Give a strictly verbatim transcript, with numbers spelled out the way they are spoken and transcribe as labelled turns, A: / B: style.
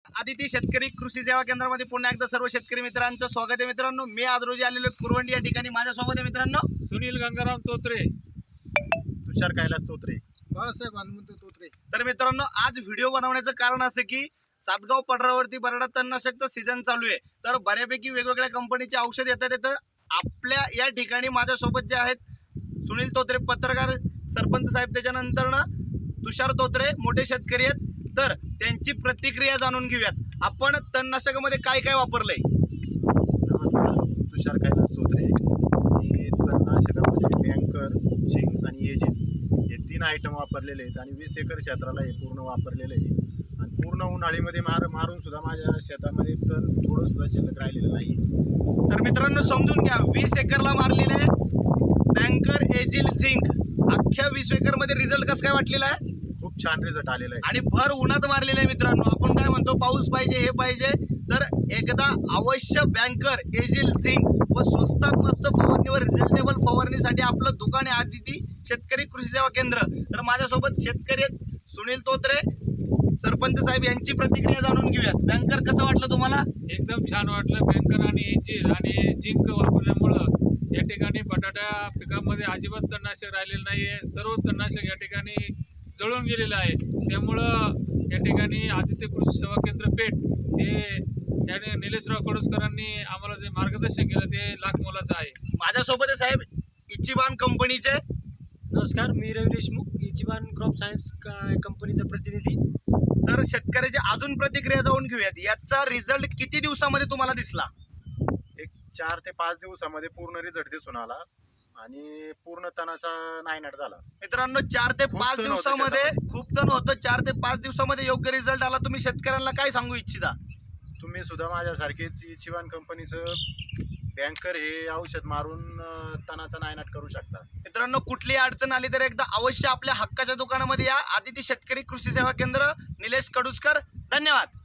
A: आदिती शेतकरी कृषी सेवा केंद्रामध्ये पुन्हा एकदा सर्व शेतकरी मित्रांचं स्वागत आहे। मित्रांनो, मी आज रोजी आलेलो कुरवंडी या ठिकाणी माझ्यासोबत आहे मित्रांनो
B: सुनील गंगाराम तोत्रे,
A: तुषार कैलास तोत्रे,
C: बाळासाहेब हनुमंत तोत्रे।
A: तर मित्रांनो, आज व्हिडिओ बनवण्याचं कारण असं की सातगाव पठारावरती बराडा तणनाशकचा सीझन चालू आहे, तर बऱ्यापैकी वेगवेगळ्या कंपनीचे औषध येतात येतं आपल्या या ठिकाणी माझ्यासोबत जे आहेत सुनील तोत्रे पत्रकार, सरपंच साहेब, त्याच्यानंतर तुषार तोत्रे मोठे शेतकरी आहेत, तर त्यांची प्रतिक्रिया जाणून घेऊयात। आपण तणनाशकामध्ये काय काय वापरलंय?
C: नमस्कार, तुषार कैलास तोत्रे। मी तणनाशकामध्ये बँकर, झिंक आणि एजिल हे तीन आयटम वापरलेले आहेत आणि वीस एकर क्षेत्राला हे पूर्ण वापरलेलं आहे आणि पूर्ण उन्हाळीमध्ये मार मारून सुद्धा माझ्या शेतामध्ये तण थोडं सुद्धा शिल्लक राहिलेलं नाही।
A: तर मित्रांनो समजून घ्या, वीस एकरला मारलेले बँकर, एजिल, झिंक, अख्ख्या वीस एकर मध्ये रिझल्ट कसं काय वाटलेला आहे?
C: खूप छान रिझल्ट आलेला आहे
A: आणि भर उन्हात मारलेले आहे मित्रांनो। आपण काय म्हणतो, पाऊस पाहिजे, हे पाहिजे, तर एकदा अवश्य बँकर, एजिल, झिंक व स्वस्तात मस्त फवारणीवर रिझल्टेबल फवारणीसाठी आपलं दुकान आहे आदिती शेतकरी कृषी सेवा केंद्र। तर माझ्यासोबत शेतकरी आहेत सुनील तोत्रे, सरपंच साहेब, यांची प्रतिक्रिया जाणून घेऊयात। बँकर कसं वाटलं तुम्हाला?
B: एकदम छान वाटलं। बँकर आणि एजिल आणि झिंक वापरल्यामुळं या ठिकाणी बटाटा पिकामध्ये अजिबात तणनाशक राहिलेलं नाही आहे। सर्व तणनाशक या ठिकाणी जळून गेलेलं आहे। त्यामुळं या ठिकाणी आदित्य कृषी सेवा केंद्र पेठ जे त्याने निलेशराव कडुसकरांनी आम्हाला जे मार्गदर्शन केलं ते लाख मोलाचं आहे।
A: माझ्यासोबत आहे साहेब इचिबान कंपनीचे।
D: नमस्कार, मी Ravi Deshmukh, Ichiban crop science कंपनीचा प्रतिनिधी।
A: तर शेतकऱ्याची अजून प्रतिक्रिया जाऊन घेऊयात। याचा रिझल्ट किती दिवसामध्ये तुम्हाला दिसला?
C: एक चार ते पाच दिवसामध्ये पूर्ण रिझल्ट दिसून आला आणि पूर्ण तणाचा नायनाट झाला।
A: मित्रांनो, चार ते
C: खूप
A: पाच
C: तण होतं
A: दिवसामध्ये
C: शेतामध्ये.
A: खूप तण होतं। चार ते पाच दिवसामध्ये योग्य रिझल्ट आला। तुम्ही शेतकऱ्यांना काय सांगू इच्छिता?
C: तुम्ही सुद्धा माझ्यासारखीच इचिबान कंपनीचं बँकर हे औषध मारून अं, तणाचा नायनाट करू शकता।
A: मित्रांनो, कुठली अडचण आली तर एकदा अवश्य आपल्या हक्काच्या दुकानामध्ये या। आदिती शेतकरी कृषी सेवा केंद्र, निलेश कडुसकर। धन्यवाद।